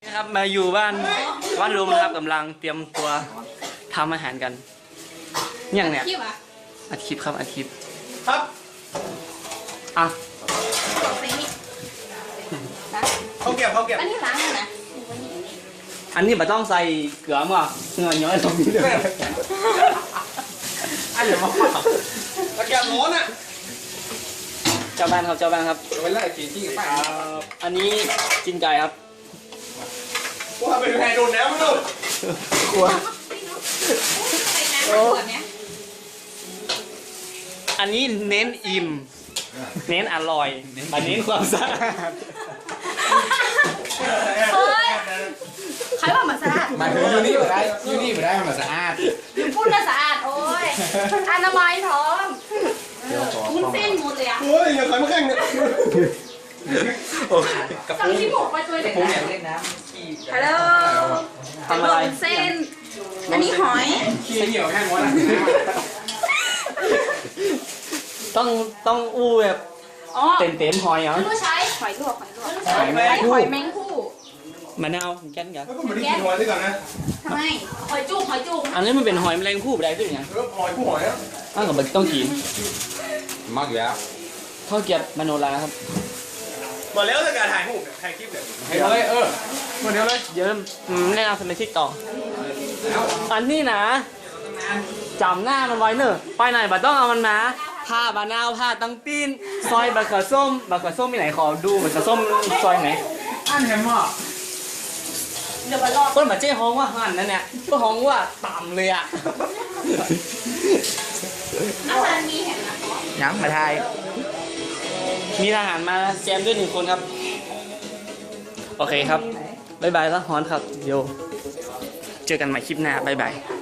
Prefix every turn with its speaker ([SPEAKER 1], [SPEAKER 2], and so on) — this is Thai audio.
[SPEAKER 1] นะครับมาอยู่บ้านลุงนะครับกำลังเตรียมตัวทำอาหารกันอย่างเนี้ยอัดคลิปครับอัดคลิปครับอ่ะ
[SPEAKER 2] เขาเก็บ
[SPEAKER 3] อันนี้ล้างนะ
[SPEAKER 1] อันนี้ไม่ต้องใส่เกลือมั้งเงยย้อยตรงนี้เลย
[SPEAKER 2] อันเดี๋ยวมาตะแกรงร้อนอ่ะ
[SPEAKER 1] เจ้าบ้านครับ
[SPEAKER 2] ไปไล่กี่ที่กับป้า
[SPEAKER 1] อันนี้กินไก่ครับ
[SPEAKER 2] ว่าเป็นแพรโดนแล้วมั้งลูก
[SPEAKER 1] กลัว อันนี้เน้นอิ่มเน้นอร่อยแต่เน้นความสะอาด
[SPEAKER 3] เฮ้ยใครว่ามันสะอาด
[SPEAKER 2] มาถึงยูนี่มาได้มันสะอาด
[SPEAKER 3] อยู่พูดน่ะสะอาดโอ้ยอนามัยท้องมุ้นเส้นหมดเลยอ่ะ
[SPEAKER 2] โอ้ยอย่าขายมาแข่งเนี่ย
[SPEAKER 3] สั่งที่หมกไปตัวเด็ก
[SPEAKER 2] ผมอยากเล่นน้
[SPEAKER 3] ฮัลโหล
[SPEAKER 1] ทำอะไร
[SPEAKER 3] เส้น อันนี้หอย
[SPEAKER 2] ำขี้เหนียวแห้งวะล่ะ
[SPEAKER 1] ต้องอู้แบบ
[SPEAKER 3] อ๋อ
[SPEAKER 1] เต็มหอยเหรอ
[SPEAKER 3] รู้ใช้หอยลวกหอยแมงคู่
[SPEAKER 1] มะนาวแก้นกัน
[SPEAKER 2] แล้วก็มาได้กินหอยด้วยกันนะ
[SPEAKER 3] ทำไมหอยจุก
[SPEAKER 1] อันนี้มันเป็นหอยแมลงภู่อะไรด้วยเนี่ย
[SPEAKER 2] หอยผู้หอยอ่ะ
[SPEAKER 1] อ้าวก็ต้องกิน
[SPEAKER 2] มากอยู่แล้ว
[SPEAKER 1] ข้าวเกรี๊ยวมโนราครับ
[SPEAKER 2] หมดแล้วในการถ่ายรูปถ่ายคลิปเนี่ยให้เลยหมดแล้วเลย
[SPEAKER 1] เดี๋ยวแนะนำสมาชิกต่อ อันนี้นะจำหน้ามันไว้เนอะไปไหนบัดต้องเอามันมาผ้าบานาวผ้าตังตีนซอยบักเขือส้มมีไหนขอดูบักเขือส้มซอยไหน
[SPEAKER 2] อันแฮมอ่ะ
[SPEAKER 3] เดี๋ยวมารอ
[SPEAKER 1] เปิ้ลมาเจ้ฮ้องว่าหั่นนั่นเนี่ยเปิ้ลฮ้องว่าต่ำเลยอ่ะ
[SPEAKER 3] อาหารมีเห็นนะ
[SPEAKER 1] ยังมาไทยมีทหารมาแจมด้วย1 คนครับโอเคครับบ๊ายบายแล้วฮอนครับโยเจอกันใหม่คลิปหน้าบ๊ายบาย